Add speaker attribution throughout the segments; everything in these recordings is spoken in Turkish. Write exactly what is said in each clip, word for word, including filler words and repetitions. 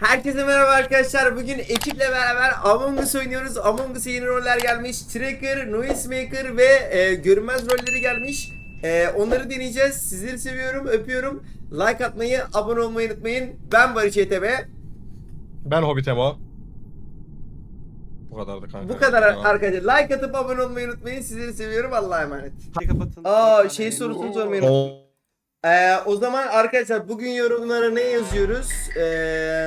Speaker 1: Herkese merhaba arkadaşlar. Bugün ekiple beraber Among Us oynuyoruz. Among Us'a yeni roller gelmiş. Tracker, Noisemaker ve e, görünmez rolleri gelmiş. E, onları deneyeceğiz. Sizleri seviyorum, öpüyorum. Like atmayı, abone olmayı unutmayın. Ben Barış E T B.
Speaker 2: Ben Hobbit Emo. Bu kadardı kanka.
Speaker 1: Bu kadar
Speaker 2: Devam.
Speaker 1: arkadaşlar. Like atıp abone olmayı unutmayın. Sizleri seviyorum. Allah'a emanet.
Speaker 3: Kapatın.
Speaker 1: Aa şey sorusunu sormayı unuttum.
Speaker 2: O-
Speaker 1: Ee, o zaman arkadaşlar bugün yorumlara ne yazıyoruz? Ee,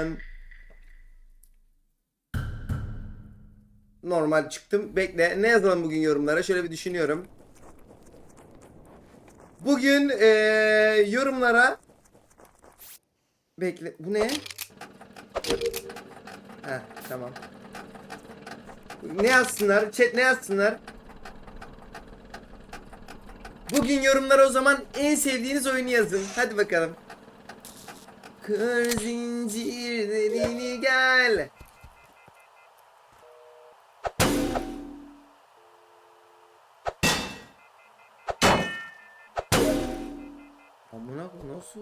Speaker 1: normal çıktım. Bekle. Ne yazalım bugün yorumlara? Şöyle bir düşünüyorum. Bugün ee, yorumlara bekle. Bu ne? Heh, tamam. Ne yazsınlar? Chat ne yazsınlar? Bugün yorumlara o zaman en sevdiğiniz oyunu yazın. Hadi bakalım. Kır zincirlerini gel. Amına koyayım, nasıl?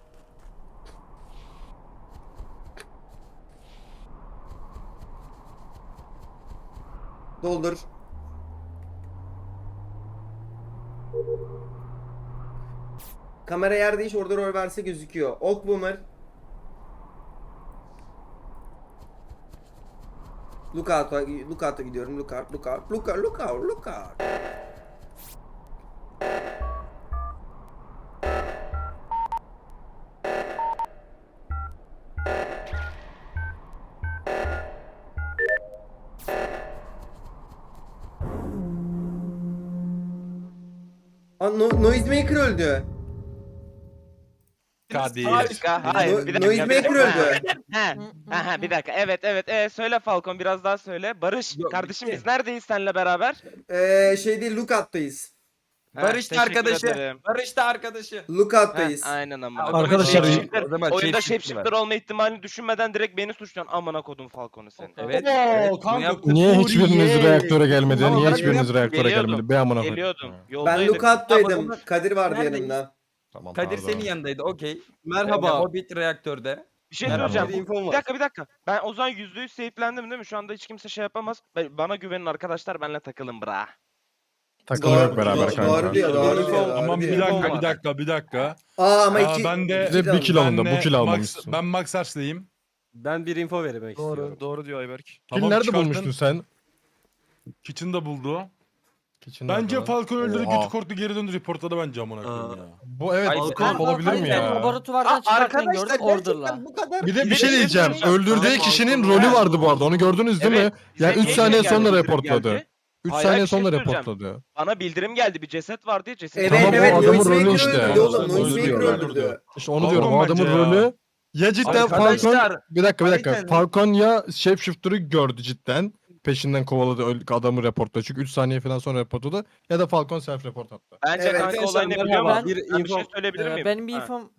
Speaker 1: Doldur. Kamera yer değiş, orada rol verse gözüküyor. Ok Boomer. Lookout'a Lookout'a gidiyorum. Lookout, lookout, lookout, lookout, lookout. Aa, no Noisemaker öldü.
Speaker 4: Kadir.
Speaker 5: Harika. Hayır,
Speaker 1: No-
Speaker 5: bir dakika. bir
Speaker 1: Noisemaker
Speaker 5: dakika.
Speaker 1: öldü.
Speaker 5: Ha, ha, ha, bir dakika. Evet, evet. Ee, söyle Falcon, biraz daha söyle. Barış,
Speaker 3: Yok,
Speaker 5: kardeşim
Speaker 3: bitti.
Speaker 5: biz neredeyiz seninle beraber?
Speaker 1: Ee, şey değil, Lookout'tayız.
Speaker 5: Ha,
Speaker 3: Barış da
Speaker 5: teşekkür
Speaker 3: arkadaşı.
Speaker 5: ederim.
Speaker 3: Barış da arkadaşı.
Speaker 5: Ha,
Speaker 1: Lookout'tayız.
Speaker 5: aynen ama.
Speaker 2: Arkadaşlar,
Speaker 5: Shapeshifter-
Speaker 3: o zaman
Speaker 5: oyunda
Speaker 3: shapeshifter
Speaker 5: shapeshifter olma ihtimalini düşünmeden direkt beni suçluyorsun. Amına kodum Falcon'u senin.
Speaker 3: Evet.
Speaker 4: Oo,
Speaker 3: evet,
Speaker 4: kanka,
Speaker 3: bunu yaptık.
Speaker 2: Niye hiçbiriniz
Speaker 4: Suriye.
Speaker 2: reaktöre gelmedi?
Speaker 3: Tamam,
Speaker 2: Niye
Speaker 3: ben
Speaker 2: hiçbiriniz
Speaker 3: yaptım,
Speaker 2: reaktöre
Speaker 5: geliyordum.
Speaker 2: gelmedi? Be amına
Speaker 5: Geliyordum.
Speaker 2: koyayım.
Speaker 1: Ben
Speaker 5: Yoldaydım.
Speaker 1: Lookout'taydım.
Speaker 3: Ama-
Speaker 1: Kadir vardı
Speaker 3: Neredeyiz?
Speaker 1: yanımda.
Speaker 2: Tamam,
Speaker 3: Kadir
Speaker 2: pardon.
Speaker 3: senin yanındaydı, okey.
Speaker 4: Merhaba.
Speaker 3: Hobbit reaktörde.
Speaker 5: Bir şey
Speaker 2: Merhaba.
Speaker 5: söyleyeceğim.
Speaker 3: Bir infom
Speaker 5: Bir
Speaker 3: var.
Speaker 5: dakika bir dakika. Ben o zaman yüzde yüz safe'lendim değil mi? Şu anda hiç kimse şey yapamaz. Ben- Bana güvenin arkadaşlar, benimle takılın bra.
Speaker 2: Takılma
Speaker 1: Doğru-
Speaker 2: yok beraber
Speaker 1: doğru-
Speaker 2: kanka.
Speaker 1: doğru diyor, doğru
Speaker 3: Info-
Speaker 1: diyor, doğru
Speaker 4: Tamam bir
Speaker 1: diyor.
Speaker 4: dakika
Speaker 3: var.
Speaker 4: bir dakika bir dakika.
Speaker 1: Aa ama
Speaker 4: Aa,
Speaker 1: iki...
Speaker 4: ben de-
Speaker 1: iki
Speaker 2: Bir de bir kill alındı. Bu
Speaker 4: Ben
Speaker 2: kill
Speaker 4: de
Speaker 2: almamışsın.
Speaker 4: Max, ben Max Arch'lıyım.
Speaker 6: Ben bir info vermek istiyorum.
Speaker 7: Doğru diyor Ayberk.
Speaker 2: Kill
Speaker 4: Tamam,
Speaker 2: nerede
Speaker 4: çıkartın.
Speaker 2: bulmuştun sen?
Speaker 4: Kitchen'da buldu.
Speaker 2: Kitchen
Speaker 4: Bence
Speaker 2: nerede?
Speaker 4: Falcon öldürdü,
Speaker 2: Oha.
Speaker 4: götü korktu, geri döndü, reportladı bence amına koyayım
Speaker 6: Aa.
Speaker 4: ya.
Speaker 2: Bu evet
Speaker 3: Ay,
Speaker 2: Falcon
Speaker 3: Falcon-
Speaker 2: olabilir mi
Speaker 6: Ben
Speaker 2: ya?
Speaker 6: laboratuvardan çıkarken gördüm order'la.
Speaker 3: bu kadar.
Speaker 2: Bir de bir
Speaker 5: Bir
Speaker 2: şey
Speaker 5: de-
Speaker 2: diyeceğim.
Speaker 5: bir şey
Speaker 2: Öldürdüğü
Speaker 3: Tamam,
Speaker 2: kişinin
Speaker 3: Falcon
Speaker 2: rolü
Speaker 3: ya.
Speaker 2: vardı bu arada. Onu gördünüz değil mi?
Speaker 5: Evet.
Speaker 2: Yani
Speaker 5: Bize
Speaker 2: üç saniye
Speaker 5: geldi,
Speaker 2: sonra
Speaker 5: bildirim
Speaker 2: reportladı.
Speaker 5: geldi.
Speaker 2: üç
Speaker 5: Hayır,
Speaker 2: saniye
Speaker 5: bir şey
Speaker 2: sonra
Speaker 5: söyleyeceğim.
Speaker 2: reportladı.
Speaker 5: Bana bildirim geldi, bir ceset var diye ceset.
Speaker 1: Evet
Speaker 2: Tamam, o
Speaker 1: evet
Speaker 2: adamın rolü
Speaker 1: Noisemaker
Speaker 2: işte.
Speaker 1: öldürdü oğlum.
Speaker 2: Öldürdü,
Speaker 1: Noisemaker
Speaker 2: öldürdü.
Speaker 1: öldürdü.
Speaker 2: İşte onu
Speaker 4: Falcon
Speaker 2: diyorum. O adamın
Speaker 4: bence ya.
Speaker 2: rolü ya cidden Falcon
Speaker 3: Arkadaşlar,
Speaker 2: bir dakika bir dakika.
Speaker 3: Aynen.
Speaker 2: Falcon ya Shapeshifter'ı gördü cidden. Peşinden kovaladı öl- adamı reportladı. Çünkü üç saniye falan sonra reportladı. Ya da Falcon self report attı.
Speaker 5: Bence
Speaker 1: Evet.
Speaker 5: kanka
Speaker 6: Arkadaşlar,
Speaker 5: olay ne biliyor
Speaker 6: merhaba.
Speaker 5: musun?
Speaker 6: Bir
Speaker 5: Ben bir şey
Speaker 6: info-
Speaker 5: söyleyebilir
Speaker 6: Ee,
Speaker 5: miyim?
Speaker 6: benim bir
Speaker 5: Ha.
Speaker 6: infom...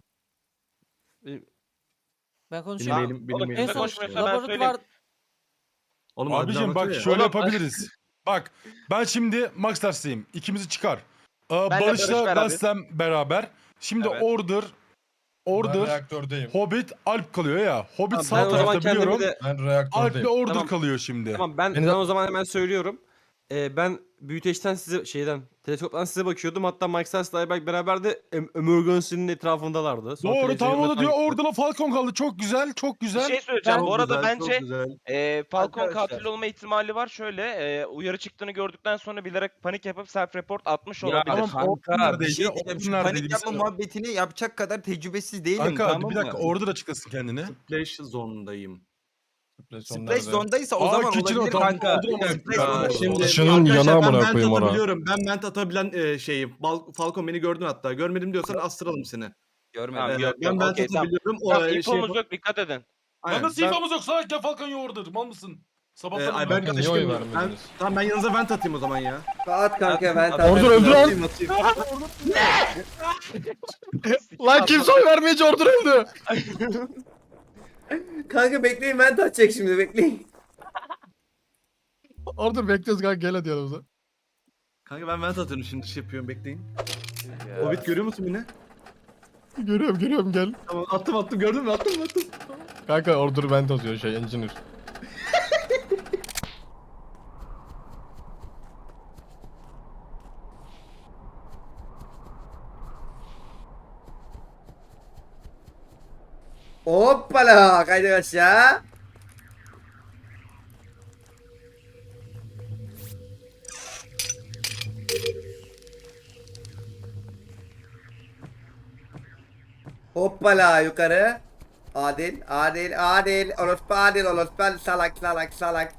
Speaker 6: Ben
Speaker 5: Ya,
Speaker 6: konuşuyorum.
Speaker 3: Benim- benim-
Speaker 5: oğlum,
Speaker 3: benim-
Speaker 6: En
Speaker 5: kimse
Speaker 6: son
Speaker 5: konuşmuyorsa ben söyleyeyim.
Speaker 6: laboratuvar...
Speaker 3: Oğlum,
Speaker 4: Abicim bak
Speaker 3: şöyle.
Speaker 4: şöyle
Speaker 5: Oğlum,
Speaker 4: yapabiliriz. Bak ben şimdi Max Arch'lıyım. İkimizi çıkar. Ee,
Speaker 5: Ben de Barış
Speaker 4: Barış'la
Speaker 5: beraber.
Speaker 4: Gassem beraber. Şimdi
Speaker 5: Evet.
Speaker 4: Order, Order,
Speaker 2: reaktördeyim.
Speaker 4: Hobbit, Alp kalıyor ya. Hobbit
Speaker 6: Tamam,
Speaker 4: sağ
Speaker 6: ben o zaman
Speaker 4: tarafta
Speaker 6: kendimi
Speaker 4: biliyorum.
Speaker 6: de...
Speaker 2: Ben
Speaker 4: Alp'le Order
Speaker 6: Tamam.
Speaker 4: kalıyor şimdi.
Speaker 6: Tamam ben,
Speaker 2: Beni
Speaker 6: ben
Speaker 2: de-
Speaker 6: o zaman hemen söylüyorum. Ee, ben büyüteçten size şeyden teleskoptan size bakıyordum. Hatta Mike Sars'la Ayberk beraber de em- emergency'nin etrafındalardı. Sonra
Speaker 4: Doğru tamam o da
Speaker 6: televizyonda
Speaker 4: diyor
Speaker 6: takip-
Speaker 4: Order'la Falcon kaldı. Çok güzel, çok
Speaker 5: Bir
Speaker 4: güzel.
Speaker 5: şey söyleyeceğim.
Speaker 6: Ben-
Speaker 5: Bu arada
Speaker 3: Güzel, çok
Speaker 5: bence
Speaker 3: güzel.
Speaker 5: e, Falcon
Speaker 3: Arkadaşlar.
Speaker 5: katil olma ihtimali var. Şöyle e, uyarı çıktığını gördükten sonra bilerek panik yapıp self report atmış
Speaker 3: Ya
Speaker 5: olabilir.
Speaker 4: tamam,
Speaker 3: kanka
Speaker 4: Order
Speaker 3: bir şey
Speaker 4: neredeydi?
Speaker 3: diyeceğim. Şu
Speaker 4: Order
Speaker 3: panik
Speaker 4: neredeydi?
Speaker 3: yapma
Speaker 4: Biz-
Speaker 3: muhabbetini yapacak kadar tecrübesiz değilim,
Speaker 4: Kanka
Speaker 3: tamam
Speaker 4: bir dakika
Speaker 3: mı?
Speaker 4: Order açıklasın kendini.
Speaker 6: Splash zonundayım.
Speaker 3: Splash zone'daysa o
Speaker 4: Aa,
Speaker 3: zaman
Speaker 4: Kitchen
Speaker 3: olabilir
Speaker 4: o, tamam,
Speaker 3: kanka.
Speaker 4: Order ama-
Speaker 3: Splash
Speaker 4: Aa,
Speaker 3: zone'da-
Speaker 6: şimdi-
Speaker 2: Dışının
Speaker 6: Arkadaşlar,
Speaker 2: yana
Speaker 6: ben
Speaker 2: amına
Speaker 6: vent
Speaker 2: koyayım ona.
Speaker 6: atabiliyorum. Ben vent atabilen e, şeyim. Bal- Falcon beni gördün hatta. Görmedim diyorsan astıralım seni.
Speaker 3: Görmedim.
Speaker 5: Tamam,
Speaker 6: Ee,
Speaker 5: yok,
Speaker 6: ben
Speaker 5: yok,
Speaker 6: vent
Speaker 5: okey, tamam.
Speaker 6: atabiliyorum. O
Speaker 5: Tamam,
Speaker 6: e,
Speaker 5: infomuz yok, dikkat edin.
Speaker 6: Aynen,
Speaker 4: Lan nasıl
Speaker 6: ben-
Speaker 4: infomuz yok? Sadece Falcon ya Order. Mal mısın?
Speaker 6: Ee,
Speaker 4: Sabahtan
Speaker 6: ay,
Speaker 4: beri-
Speaker 6: ben
Speaker 2: Niye oy
Speaker 6: karıştırmıyorum. Ben,
Speaker 2: vermediniz?
Speaker 6: tamam ben yanınıza vent atayım o zaman ya.
Speaker 1: At kanka ben
Speaker 3: Order
Speaker 2: Order öldü lan.
Speaker 6: Atayım, atayım.
Speaker 2: Lan kimse oy vermeyince Order öldü.
Speaker 1: Kanka bekleyin, ben atacak şimdi, bekleyin.
Speaker 2: Order bekliyoruz kanka, gel hadi yanımıza.
Speaker 6: Kanka ben vent atıyorum şimdi, şey yapıyorum, bekleyin. Hobbit görüyor musun beni?
Speaker 2: Görüyorum görüyorum gel.
Speaker 6: Tamam attım attım, gördün mü? Attım attım.
Speaker 2: Kanka order vent atıyor şey engineer.
Speaker 1: Hoppala kaydı aşağı. Hoppala yukarı. Adil, adil, adil. Orospu adil, orospu adil. Salak, salak, salak.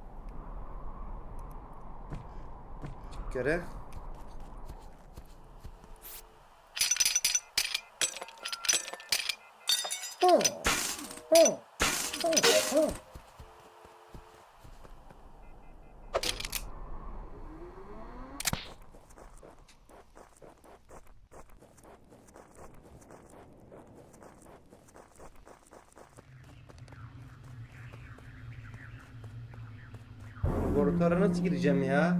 Speaker 1: Yukarı. Oh, oh, oh, oh. Laboratuvara nasıl gireceğim ya?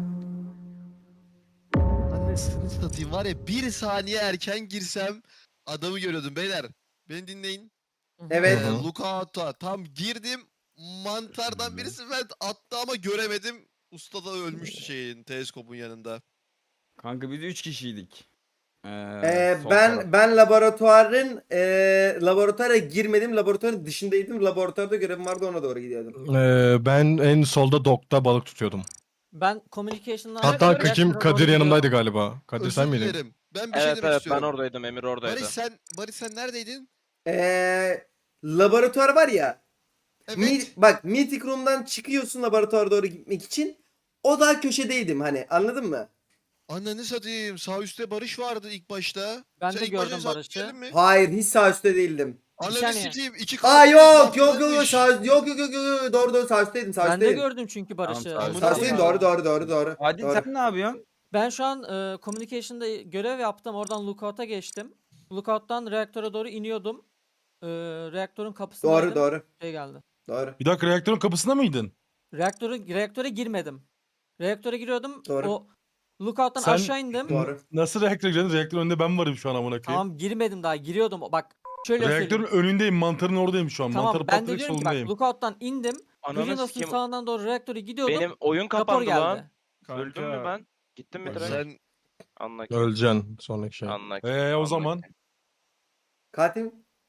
Speaker 7: Annesini satayım var ya bir saniye erken girsem adamı görüyordum beyler. Beni dinleyin.
Speaker 1: Evet.
Speaker 2: Hı hı.
Speaker 7: Ee, Lookout'a tam girdim. Mantardan birisi ben attı ama göremedim. Usta da ölmüştü şeyin teleskopun yanında.
Speaker 3: Kanka biz üç kişiydik. Ee,
Speaker 1: Ee,
Speaker 3: sol
Speaker 1: ben
Speaker 3: taraf.
Speaker 1: ben laboratuvarın ee, laboratuvara girmedim. Laboratuvarın dışındaydım. Laboratuvarda görevim vardı, ona doğru gidiyordum.
Speaker 2: Ee, ben en solda dokta balık tutuyordum.
Speaker 8: Ben communication'dan...
Speaker 2: Hatta
Speaker 8: Reaktöre
Speaker 2: kim
Speaker 8: doğru
Speaker 2: Kadir
Speaker 8: gidiyorum.
Speaker 2: yanımdaydı galiba. Kadir
Speaker 7: Özür
Speaker 2: sen miydin?
Speaker 7: dilerim. Ben bir şey
Speaker 5: Evet
Speaker 7: demek
Speaker 5: evet ben
Speaker 7: istiyorum.
Speaker 5: oradaydım, Emir oradaydı.
Speaker 7: Barış sen Barış sen neredeydin?
Speaker 1: Ee, laboratuvar var ya.
Speaker 7: Evet.
Speaker 1: Mi- bak meeting room'dan çıkıyorsun laboratuvara doğru gitmek için. O da köşedeydim hani, anladın mı?
Speaker 7: Ananı satayım. Sağ üstte Barış vardı ilk başta.
Speaker 8: Ben
Speaker 7: sen
Speaker 8: de
Speaker 7: ilk başta
Speaker 8: gördüm
Speaker 7: sağ
Speaker 8: Barış'ı.
Speaker 7: üstteydin mi?
Speaker 1: Hayır, hiç sağ üstte değildim.
Speaker 7: Ananı
Speaker 8: saniye.
Speaker 7: sikeyim. iki
Speaker 1: Aa
Speaker 7: kalp
Speaker 1: yok yok yok yok
Speaker 7: etrafındaymış.
Speaker 1: sağ yok yok yok yok yok, doğru doğru sağ üstteydim, sağ
Speaker 8: Ben de
Speaker 1: üstteydim.
Speaker 8: gördüm çünkü Barış'ı.
Speaker 3: Tamam, sağ ol.
Speaker 1: Sağ üstteydim, doğru doğru doğru doğru.
Speaker 3: Adil
Speaker 1: doğru.
Speaker 3: sen ne yapıyorsun?
Speaker 8: Ben şu an e, communication'da görev yaptım. Oradan lookout'a geçtim. Lookout'tan reaktöre doğru iniyordum. E, reaktörün kapısındaydım.
Speaker 1: Doğru doğru
Speaker 8: Şey geldi.
Speaker 1: doğru.
Speaker 4: Bir dakika reaktörün kapısında mıydın?
Speaker 8: Reaktörü, reaktöre girmedim. Reaktöre giriyordum.
Speaker 1: Doğru.
Speaker 8: O lookout'tan
Speaker 4: Sen-
Speaker 8: aşağı indim.
Speaker 1: Doğru.
Speaker 4: Nasıl reaktöre gireceksin? Reaktörün önünde ben varım şu an amına koyayım.
Speaker 8: Tamam girmedim daha. Giriyordum. Bak şöyle
Speaker 4: Reaktörün
Speaker 8: söyleyeyim.
Speaker 4: önündeyim. Mantarın oradayım şu an.
Speaker 8: Tamam
Speaker 4: Mantarı
Speaker 8: ben de
Speaker 4: patlayıp
Speaker 8: diyorum ki bak
Speaker 4: solundayım.
Speaker 8: lookout'tan indim.
Speaker 5: Ananı
Speaker 8: Virinos'un
Speaker 5: sikeyim.
Speaker 8: sağından doğru reaktöre gidiyordum.
Speaker 5: Benim oyun
Speaker 8: Rapor
Speaker 5: kapandı lan.
Speaker 8: geldi.
Speaker 5: Öldüm mü ben? Gittim mi direkt?
Speaker 7: Sen
Speaker 5: Anla ki.
Speaker 2: Öleceksin sonraki şey.
Speaker 5: Anla ki.
Speaker 4: Ee, o
Speaker 5: anla
Speaker 4: zaman?
Speaker 5: ki.
Speaker 1: Katil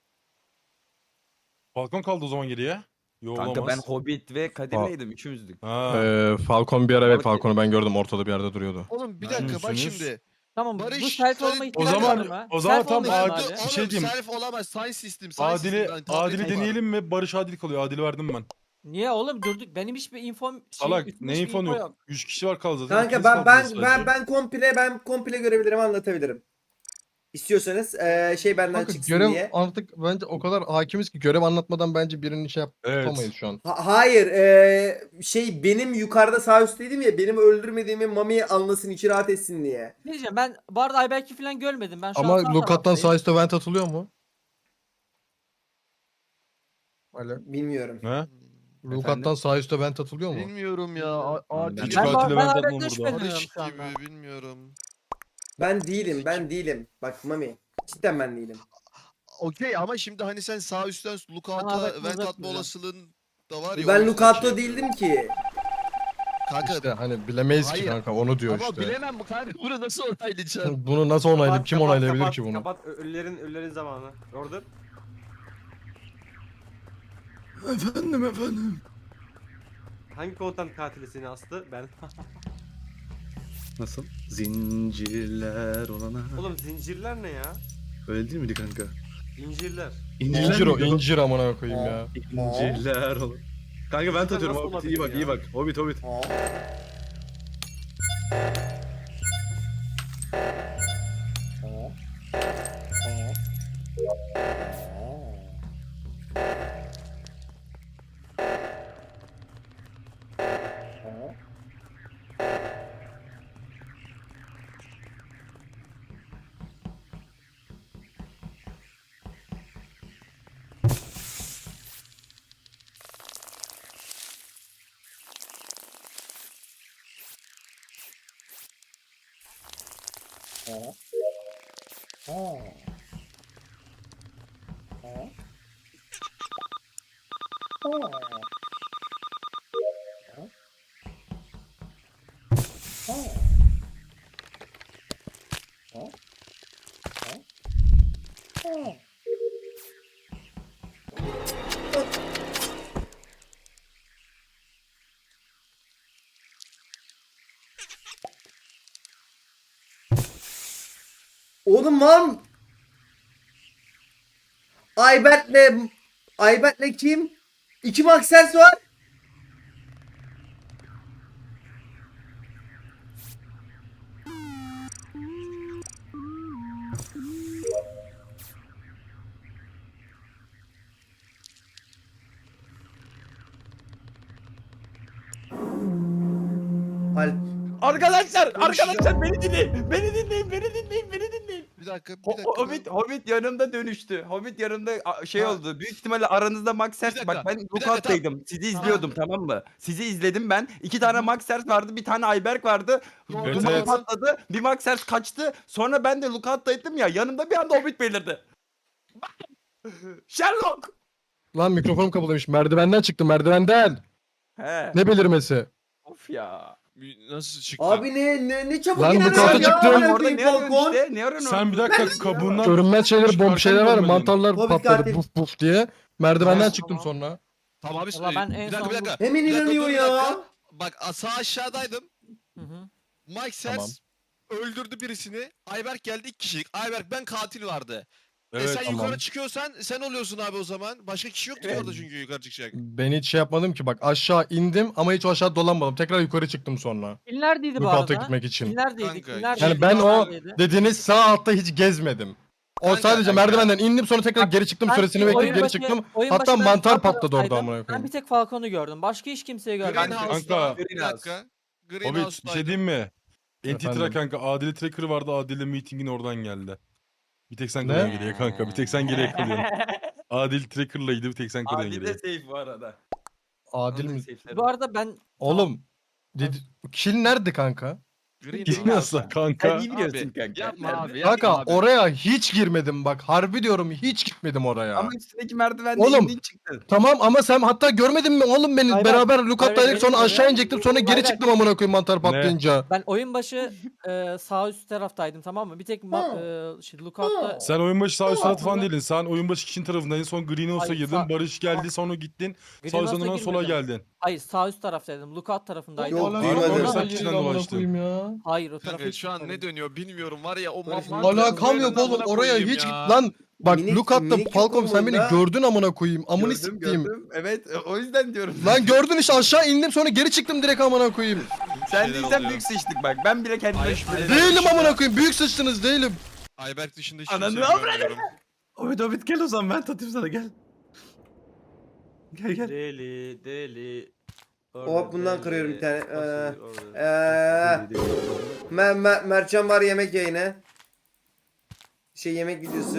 Speaker 4: Falcon kaldı o zaman geriye. Yo
Speaker 3: Kanka ben
Speaker 4: olamaz.
Speaker 3: Hobbit ve
Speaker 2: Aa.
Speaker 3: Kadir'leydim üçümüzdük.
Speaker 4: Ha.
Speaker 2: Ee, Falcon bir ara evet
Speaker 3: Balık
Speaker 2: Falcon'u ben gördüm ortada bir yerde duruyordu.
Speaker 7: oğlum bir
Speaker 4: Ben
Speaker 7: dakika bak
Speaker 4: misiniz?
Speaker 7: şimdi.
Speaker 8: Tamam bu
Speaker 7: Barış,
Speaker 8: self
Speaker 7: sen-
Speaker 8: olma
Speaker 7: O
Speaker 8: ihtimali
Speaker 4: zaman-
Speaker 8: var mı?
Speaker 4: o zaman
Speaker 8: Self
Speaker 4: tam
Speaker 8: olma
Speaker 4: Adil-
Speaker 8: ihtimali.
Speaker 4: bir
Speaker 7: Oğlum
Speaker 4: şey diyeyim.
Speaker 7: self olamaz. Science system. Science
Speaker 4: Adil'i
Speaker 7: system. Ben tabletim
Speaker 4: Adil'i
Speaker 7: var.
Speaker 4: deneyelim mi? Barış Adil kalıyor. Adil'i verdim ben.
Speaker 8: Niye oğlum durduk? Benim hiçbir infom şey,
Speaker 4: Salak
Speaker 8: üstümde
Speaker 4: ne
Speaker 8: hiçbir
Speaker 4: infon
Speaker 8: info
Speaker 4: yok. üç kişi var kaldı zaten.
Speaker 1: kanka,
Speaker 4: İkiniz
Speaker 1: ben
Speaker 4: kaldınız
Speaker 1: ben ben
Speaker 4: sadece.
Speaker 1: ben komple ben komple görevlerimi anlatabilirim. İstiyorsanız ee, şey benden
Speaker 2: Kanka
Speaker 1: çıksın
Speaker 2: görev
Speaker 1: diye.
Speaker 2: artık bence o kadar hakimiz ki görev anlatmadan bence birinin şey yap
Speaker 4: Evet.
Speaker 2: yapamayız şu an.
Speaker 1: Ha- hayır ee, şey benim yukarıda sağ üstteydim ya, benim öldürmediğimi Mami anlasın, içi rahat etsin diye.
Speaker 8: Ne diyeceğim ben bu arada Ayberk'i falan görmedim. Ben şu an
Speaker 2: Ama
Speaker 8: sağ
Speaker 2: Lukat'tan
Speaker 8: taraftayım.
Speaker 2: sağ üstte vent atılıyor mu? Alo.
Speaker 1: Bilmiyorum.
Speaker 4: Ne?
Speaker 2: Lukat'tan sağ üstte vent atılıyor mu?
Speaker 7: Bilmiyorum ya. A- Adil
Speaker 3: Ben-
Speaker 4: Hiç
Speaker 8: Ben, ben,
Speaker 4: katile
Speaker 8: ben
Speaker 4: ben
Speaker 8: Ayberk'ten
Speaker 4: tatmam burada.
Speaker 8: şüpheleniyorum
Speaker 7: Barış
Speaker 8: şu anda.
Speaker 7: gibi bilmiyorum.
Speaker 1: Ben değilim, ben değilim. Bak Mami, cidden ben değilim.
Speaker 7: Okey ama şimdi hani sen sağ üstten
Speaker 8: Ben
Speaker 7: lookout'a
Speaker 8: Ahmet
Speaker 7: vent
Speaker 8: Murat
Speaker 7: atma
Speaker 8: diyeceğim.
Speaker 7: olasılığın da var ya. o
Speaker 1: Ben
Speaker 7: yüzden
Speaker 1: Lucato
Speaker 7: şey
Speaker 1: değildim
Speaker 7: yapıyorum.
Speaker 1: ki.
Speaker 7: Kanka
Speaker 2: İşte hani bilemeyiz
Speaker 7: Hayır.
Speaker 2: ki kanka onu diyor
Speaker 7: ama
Speaker 2: işte.
Speaker 7: bilemem bu kanka bunu nasıl onaylayacaksın?
Speaker 2: Bunu nasıl onaylayıp
Speaker 6: Kapat,
Speaker 2: kim
Speaker 6: kapat,
Speaker 2: onaylayabilir
Speaker 6: kapat,
Speaker 2: ki bunu?
Speaker 6: Kapat ö- ölülerin ölülerin zamanı. Orada.
Speaker 7: Efendim efendim.
Speaker 6: Hangi komutan katili seni astı? Ben.
Speaker 9: Nasıl? Zincirler olana.
Speaker 6: Oğlum zincirler ne ya?
Speaker 9: Öyle değil miydi kanka?
Speaker 6: İncirler.
Speaker 2: İncir o
Speaker 9: miydi
Speaker 2: incir amına koyayım ya.
Speaker 9: İncirler olan. Kanka ben
Speaker 6: Nasıl
Speaker 9: tatıyorum
Speaker 6: olabilir
Speaker 9: Hobbit iyi bak
Speaker 6: ya?
Speaker 9: iyi bak. Hobbit Hobbit.
Speaker 1: Oğlum var mı? Ayberk'le Ayberk'le kim? İki Maxers var. Alp.
Speaker 3: Arkadaşlar, arkadaşlar beni dinleyin. Beni dinleyin, beni dinleyin, beni dinleyin.
Speaker 7: Bir dakika, bir
Speaker 3: Ho-
Speaker 7: dakika.
Speaker 3: Hobbit, Hobbit yanımda dönüştü. Hobbit yanımda a- şey
Speaker 7: Ha.
Speaker 3: oldu. Büyük ihtimalle aranızda Max Sers.
Speaker 7: dakika,
Speaker 3: Bak ben
Speaker 7: bir dakika,
Speaker 3: Lookout'taydım. Sizi izliyordum tamam mı? Sizi izledim ben. İki tane Max Sers vardı, bir tane Ayberk vardı.
Speaker 4: Evet,
Speaker 3: Duman
Speaker 4: evet.
Speaker 3: patladı. Bir Max Sers kaçtı. Sonra ben de Lookout'taydım ya. Yanımda bir anda Hobbit belirdi. Sherlock.
Speaker 2: Lan mikrofonum kapalıymış. Merdivenden çıktım merdivenden.
Speaker 3: He.
Speaker 2: Ne belirmesi?
Speaker 3: Of ya.
Speaker 7: Nasıl çıktı?
Speaker 1: Abi ne ne ne çabuk
Speaker 2: Lan bu
Speaker 1: inanıyorsun
Speaker 2: karta
Speaker 1: ya.
Speaker 2: çıktım.
Speaker 1: Amına
Speaker 3: Orada
Speaker 1: koyayım
Speaker 3: ne arıyorsun
Speaker 1: Falcon.
Speaker 3: işte? Ne arıyorsun?
Speaker 4: Sen bir dakika kabuğundan...
Speaker 2: Görünmez şeyler bomb
Speaker 4: Çıkarken
Speaker 2: şeyler var ya
Speaker 4: görmedim.
Speaker 2: mantarlar
Speaker 1: Hobbit
Speaker 2: patladı
Speaker 1: katil.
Speaker 2: buf buf diye. Merdivenden
Speaker 1: Tamam.
Speaker 2: çıktım sonra.
Speaker 7: Tamam abi.
Speaker 8: Valla ben
Speaker 7: bir
Speaker 8: en
Speaker 7: dakika,
Speaker 8: son
Speaker 7: bir
Speaker 8: bu-
Speaker 7: dakika.
Speaker 1: Hemen
Speaker 7: Bir dakika,
Speaker 1: inanıyor
Speaker 7: dur, bir
Speaker 1: ya.
Speaker 7: dakika. Bak a- sağ aşağıdaydım.
Speaker 8: Hı hı.
Speaker 7: Mike Sers öldürdü birisini. Ayberk geldi iki kişilik. Ayberk ben katil vardı. e
Speaker 4: Evet,
Speaker 7: sen
Speaker 2: tamam.
Speaker 7: yukarı çıkıyorsan sen oluyorsun abi o zaman. Başka kişi yoktu ki orada çünkü yukarı çıkacak.
Speaker 2: Ben hiç şey yapmadım ki bak aşağı indim ama hiç o aşağı dolanmadım. Tekrar yukarı çıktım sonra.
Speaker 8: Kil neredeydi bu
Speaker 2: Lookout'a
Speaker 8: arada?
Speaker 2: gitmek için.
Speaker 8: Kil neredeydi?
Speaker 7: Kanka,
Speaker 8: Kil neredeydi?
Speaker 2: Yani ben o
Speaker 8: Neredeydi?
Speaker 2: dediğiniz sağ altta hiç gezmedim. O
Speaker 7: Kanka,
Speaker 2: sadece
Speaker 7: kanka.
Speaker 2: merdivenden indim sonra tekrar geri çıktım
Speaker 8: Ben
Speaker 2: süresini
Speaker 8: oyun
Speaker 2: bekleyip geri
Speaker 8: başı-
Speaker 2: çıktım.
Speaker 8: oyun
Speaker 2: Hatta
Speaker 8: başı ben
Speaker 2: mantar
Speaker 8: sağ
Speaker 2: patladı orada
Speaker 8: taraftaydım.
Speaker 2: amına koyayım.
Speaker 8: Ben bir tek Falcon'u gördüm. Başka hiç kimseyi görmedim.
Speaker 7: Greenhouse'da.
Speaker 4: Kanka.
Speaker 7: Bir dakika.
Speaker 4: Hobbit bir şey
Speaker 7: Greenhouse'daydım.
Speaker 4: diyeyim mi? Entitra
Speaker 2: Efendim?
Speaker 4: kanka Adile Tracker vardı. Adile meetingin oradan geldi. Bir tek sen
Speaker 2: Ne?
Speaker 4: kalıyorsun geriye kanka. Bir tek sen geriye kalıyorsun. Adil Tracker'laydı bir tek sen kalıyorsun
Speaker 3: Adil de
Speaker 4: geriye.
Speaker 3: safe bu arada.
Speaker 2: Adil
Speaker 3: Onun da
Speaker 2: mi?
Speaker 3: safe'leri
Speaker 8: Bu
Speaker 3: var.
Speaker 8: arada ben
Speaker 2: Oğlum. Dedi, kill nerede kanka?
Speaker 4: Bilmiyorsun
Speaker 3: Sen
Speaker 4: kanka.
Speaker 3: iyi biliyorsun kanka.
Speaker 7: Yapma
Speaker 3: Nerede?
Speaker 7: abi.
Speaker 2: Kanka
Speaker 7: Yapma abi.
Speaker 2: oraya hiç girmedim bak. Harbi diyorum hiç gitmedim oraya.
Speaker 3: Ama üstündeki merdivende
Speaker 2: Oğlum,
Speaker 3: indin çıktın.
Speaker 2: Tamam ama sen hatta görmedin mi oğlum beni?
Speaker 8: Hayır,
Speaker 2: Beraber
Speaker 8: hayır,
Speaker 2: Lookout'taydık
Speaker 8: hayır,
Speaker 2: sonra
Speaker 8: benim
Speaker 2: aşağı
Speaker 8: öyle.
Speaker 2: inecektim sonra geri
Speaker 8: Hayır,
Speaker 2: çıktım amına koyayım mantar patlayınca.
Speaker 8: ben oyun başı e, sağ üst taraftaydım tamam mı? Bir tek ma- e, şey, Lookout'ta
Speaker 4: Sen oyun başı sağ üst
Speaker 8: Tamam,
Speaker 4: tarafı falan
Speaker 8: tamam.
Speaker 4: değildin. Sen oyun başı kişinin tarafındaydın. Sonra Greenhouse'a
Speaker 8: Hayır,
Speaker 4: girdin.
Speaker 8: sağ-
Speaker 4: Barış geldi
Speaker 8: Tamam.
Speaker 4: sonra gittin. Sağ
Speaker 8: Greenhouse'a
Speaker 4: üstten sola
Speaker 8: girmedim.
Speaker 4: geldin.
Speaker 8: Hayır sağ üst taraftaydım. Lookout tarafındaydım.
Speaker 1: Yok,
Speaker 2: Alakam
Speaker 1: duymadım.
Speaker 2: yok,
Speaker 1: Sen
Speaker 2: amına
Speaker 4: kişiden
Speaker 2: koyayım
Speaker 4: dolaştın.
Speaker 2: ya.
Speaker 8: Hayır o tarafa
Speaker 7: Kanka
Speaker 8: hiç
Speaker 7: şu an ne
Speaker 8: gitmedim.
Speaker 7: dönüyor bilmiyorum var ya o
Speaker 8: Barış,
Speaker 7: mamma.
Speaker 2: Alakam yok oğlum oraya hiç git lan. Bak
Speaker 1: Minik-
Speaker 2: Lookout'ta
Speaker 1: minik
Speaker 2: Falcon sen beni
Speaker 1: yapımında-
Speaker 2: gördün amına koyayım. Amını
Speaker 3: Gördüm
Speaker 2: sikeyim.
Speaker 3: gördüm. Evet e, o yüzden diyorum.
Speaker 2: Lan gördün işte aşağı indim sonra geri çıktım direkt amına koyayım.
Speaker 3: Sen
Speaker 7: Şeyler
Speaker 3: değilsen
Speaker 7: oluyor.
Speaker 3: büyük sıçtık bak. Ben bile kendime
Speaker 7: Hayır,
Speaker 3: şüphe
Speaker 7: hayır.
Speaker 3: ediyorum.
Speaker 2: Değilim amına koyayım. Büyük sıçtınız değilim.
Speaker 7: Ayberk dışında hiç
Speaker 3: Ananı
Speaker 7: kimseyi
Speaker 3: avradım.
Speaker 7: görmüyorum.
Speaker 9: Hobbit Hobbit gel o zaman ben tatayım sana gel. Gel gel.
Speaker 6: Deli deli.
Speaker 1: Hop, bundan kırıyorum bir tane. Ee,
Speaker 6: Ee,
Speaker 1: Eee Mer Mer Mertcan var yemek yayını. Şey yemek videosu.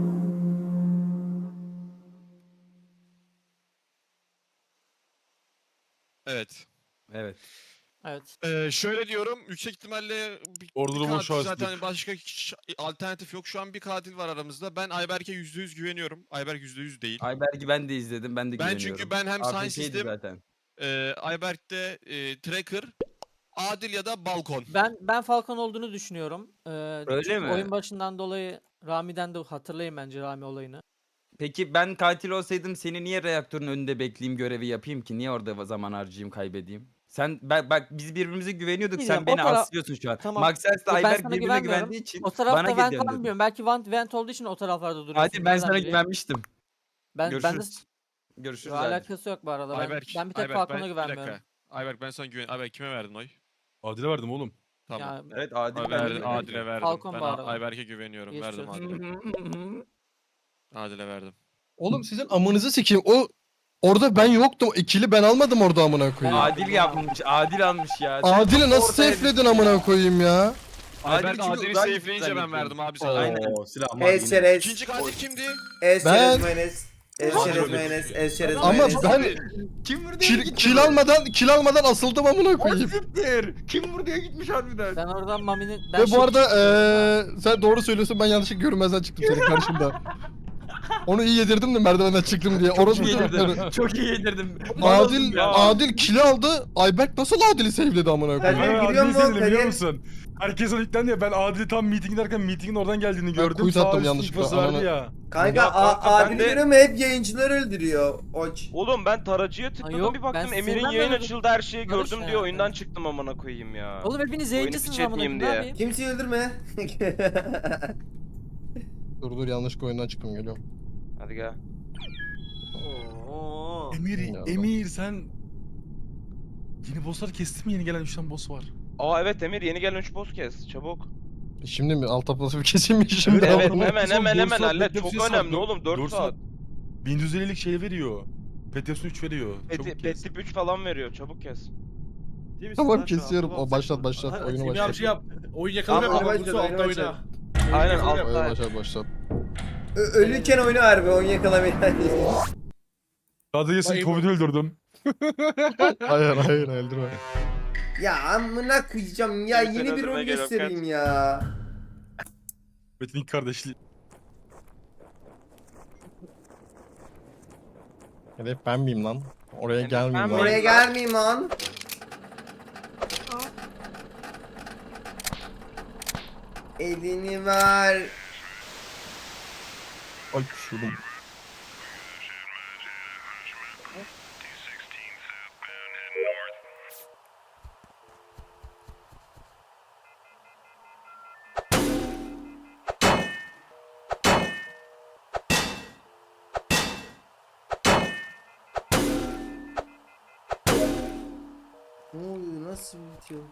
Speaker 7: Evet.
Speaker 3: Evet.
Speaker 8: Evet.
Speaker 7: Ee, şöyle diyorum yüksek ihtimalle bir,
Speaker 4: Orada
Speaker 7: bir
Speaker 4: da boş
Speaker 7: katil
Speaker 4: açtık.
Speaker 7: zaten başka ş- alternatif yok. Şu an bir katil var aramızda. Ben Ayberk'e yüzde yüz güveniyorum. Ayberk yüzde yüz değil.
Speaker 3: Ayberk'i ben de izledim. Ben de
Speaker 7: Ben
Speaker 3: güveniyorum.
Speaker 7: çünkü ben hem
Speaker 3: Artı
Speaker 7: Science
Speaker 3: şeydi
Speaker 7: System,
Speaker 3: zaten.
Speaker 7: e, Ayberk'te e, Tracker, Adil ya da Balkon.
Speaker 8: Ben ben Falcon olduğunu düşünüyorum. Ee,
Speaker 3: Öyle
Speaker 8: çünkü
Speaker 3: mi?
Speaker 8: Oyun başından dolayı Rami'den de hatırlayın bence Rami olayını.
Speaker 3: Peki ben katil olsaydım seni niye reaktörün önünde bekleyeyim görevi yapayım ki? Niye orada zaman harcayayım kaybedeyim? Sen bak, bak biz birbirimize güveniyorduk.
Speaker 8: Bilmiyorum,
Speaker 3: Sen
Speaker 8: o
Speaker 3: beni
Speaker 8: taraf-
Speaker 3: aslıyorsun şu an.
Speaker 8: Tamam.
Speaker 3: Maxers
Speaker 8: Ben
Speaker 3: de Ayberk
Speaker 8: sana
Speaker 3: birbirine
Speaker 8: güvenmiyorum.
Speaker 3: güvendiği için
Speaker 8: O
Speaker 3: bana
Speaker 8: tarafta vent
Speaker 3: gidiyorsun
Speaker 8: var mı
Speaker 3: dedim.
Speaker 8: bilmiyorum. Belki vent, vent olduğu için o taraflarda duruyorsun.
Speaker 3: Hadi ben
Speaker 8: Nereden
Speaker 3: sana
Speaker 8: bileyim?
Speaker 3: güvenmiştim.
Speaker 8: Ben, ben de
Speaker 3: Görüşürüz. Görüşürüz. abi.
Speaker 8: alakası yok bu arada. Ben,
Speaker 7: Ayberk,
Speaker 8: ben bir tek
Speaker 7: Ayberk,
Speaker 8: Falcon'a
Speaker 7: ben- bir
Speaker 8: güvenmiyorum.
Speaker 7: dakika. Ayberk ben sana güven. Ayberk kime verdin oy?
Speaker 4: Adile verdim oğlum.
Speaker 7: Tamam.
Speaker 8: Ya,
Speaker 3: Evet Adil
Speaker 7: Ay,
Speaker 3: ben de
Speaker 7: verdin,
Speaker 3: güveniyorum.
Speaker 7: Adil'e verdim.
Speaker 8: Falcon
Speaker 7: ben
Speaker 8: bu
Speaker 7: A-
Speaker 8: arada.
Speaker 7: Ayberk'e güveniyorum.
Speaker 8: Geçmiş
Speaker 7: Verdim
Speaker 8: olsun.
Speaker 7: Adil'e. Adil'e verdim.
Speaker 2: Oğlum sizin amınızı sikeyim. O orada ben yoktum. İkili ben almadım orada amına koyayım.
Speaker 3: Adil yapmış. Adil almış ya. Sen
Speaker 2: Adil'i
Speaker 3: çok
Speaker 2: nasıl
Speaker 3: ortaya
Speaker 2: safe'ledin amına koyayım ya?
Speaker 7: Ayberk
Speaker 3: çünkü
Speaker 7: Adil'i
Speaker 3: uzak
Speaker 7: safe'leyince ben
Speaker 3: zannediyorum.
Speaker 7: verdim abi sana.
Speaker 3: Aynen.
Speaker 9: Oo silahım var
Speaker 1: Ez
Speaker 9: yine.
Speaker 1: çerez.
Speaker 7: İkinci katil kimdi?
Speaker 1: Ez
Speaker 2: Ben-
Speaker 1: çerez mayonez. Ez
Speaker 7: Hayır,
Speaker 1: çerez
Speaker 7: öyle
Speaker 1: mayonez. Ez çerez
Speaker 2: Ama
Speaker 1: mayonez.
Speaker 2: ben
Speaker 3: Kim vurdu?
Speaker 2: kil, kil almadan kil almadan asıldım amına koyayım.
Speaker 3: Siktir. Kim vurduya gitmiş harbiden.
Speaker 8: Ben oradan Mami'nin... Ben
Speaker 2: Ve bu
Speaker 8: şey-
Speaker 2: arada eee sen doğru söylüyorsun ben yanlışlıkla görünmezden çıktım senin karşında. Onu iyi yedirdim de merdivenden çıktım diye. Orası
Speaker 3: iyi
Speaker 2: çocukları.
Speaker 3: yedirdim. Çok iyi yedirdim.
Speaker 2: Adil,
Speaker 5: Ya.
Speaker 2: Adil kili aldı. Ayberk nasıl Adil'i sevledi amına
Speaker 1: Kadir
Speaker 2: koyayım.
Speaker 4: Ben
Speaker 1: giriyor
Speaker 4: Adil'i
Speaker 1: mu?
Speaker 4: sevdim biliyor
Speaker 1: Kadir.
Speaker 4: musun? Herkes ona yüklendi ya. Ben Adil'i tam meeting derken meetingin oradan geldiğini
Speaker 2: Ben
Speaker 4: gördüm.
Speaker 2: quit
Speaker 4: Sağ
Speaker 2: attım
Speaker 4: üst
Speaker 2: yanlışlıkla,
Speaker 4: infosu verdi
Speaker 2: ananı-
Speaker 4: ya.
Speaker 1: Kanka
Speaker 5: Ya
Speaker 1: A-
Speaker 5: kanka, ben
Speaker 1: Adil'i
Speaker 5: de-
Speaker 1: görüyorum hep yayıncılar öldürüyor. Oç.
Speaker 5: Oğlum ben taracıya tıkladım
Speaker 8: yok,
Speaker 5: bir
Speaker 8: ben
Speaker 5: baktım Emir'in
Speaker 8: sevmem
Speaker 5: yayın
Speaker 8: böyle
Speaker 5: açıldı her şeyi
Speaker 8: Barış
Speaker 5: gördüm
Speaker 8: ya.
Speaker 5: diye oyundan çıktım amına koyayım ya.
Speaker 8: Oğlum hepiniz yayıncısınız
Speaker 5: piç
Speaker 8: amına
Speaker 5: etmeyeyim
Speaker 8: koyayım. Ne
Speaker 5: diye.
Speaker 8: yapayım?
Speaker 1: Kimseyi öldürme.
Speaker 2: Dur dur yanlış oyundan çıktım geliyorum.
Speaker 5: Hadi gel.
Speaker 6: Oo.
Speaker 4: Emir,
Speaker 2: Ya.
Speaker 4: Emir sen... Yeni bossları kestin mi? Yeni gelen üç tane boss var.
Speaker 5: Aa evet Emir yeni gelen üç boss kes çabuk.
Speaker 2: Şimdi mi? Alt tablası bir keseyim mi şimdi?
Speaker 5: Evet
Speaker 2: Ama-
Speaker 5: hemen
Speaker 4: Son
Speaker 5: hemen
Speaker 4: dört
Speaker 5: hemen
Speaker 4: saat
Speaker 5: hallet
Speaker 4: bekleme
Speaker 5: çok
Speaker 4: süresi var.
Speaker 5: önemli oğlum dört
Speaker 4: Dört
Speaker 5: saat.
Speaker 4: bin yüz ellilik şey veriyor. Petyasun üç veriyor.
Speaker 5: Pet,
Speaker 4: Çabuk
Speaker 5: pet
Speaker 4: kes.
Speaker 5: tip üç falan veriyor çabuk kes.
Speaker 6: Değil misin
Speaker 2: Tamam
Speaker 6: lan şu an?
Speaker 2: kesiyorum.
Speaker 6: Tamam,
Speaker 2: O, başlat
Speaker 6: sen-
Speaker 2: başlat.
Speaker 6: Hadi,
Speaker 2: Oyunu
Speaker 9: Semih abi
Speaker 2: başlat.
Speaker 9: şey yap. Oyun yakalama
Speaker 1: Tamam,
Speaker 9: yap.
Speaker 1: oyunu
Speaker 9: Bursu
Speaker 1: başlat,
Speaker 9: altta
Speaker 1: oyunu
Speaker 9: oyna.
Speaker 5: Aynen
Speaker 9: Oyunu
Speaker 5: altta.
Speaker 2: Oyunu başlat başlat.
Speaker 1: Ö- ölürken oyunu harbi oyun yakalamayı.
Speaker 4: Hadi yesin
Speaker 9: Vay
Speaker 4: Covid'i öldürdüm.
Speaker 2: Hayır hayır öldürme.
Speaker 1: Ya amına koyacağım ya
Speaker 5: Seni
Speaker 1: yeni bir
Speaker 5: öldürmeye
Speaker 1: rol
Speaker 5: geliyorum,
Speaker 1: göstereyim
Speaker 5: kaç.
Speaker 1: ya.
Speaker 4: Metin'in kardeşliği.
Speaker 2: Hedef ben miyim lan? Oraya
Speaker 5: Hedef
Speaker 2: gelmeyeyim
Speaker 5: ben
Speaker 2: lan.
Speaker 5: miyim?
Speaker 1: Oraya gelmeyeyim lan. Elini ver.
Speaker 2: Ay şurum.
Speaker 1: Ne oluyor nasıl bitiyor?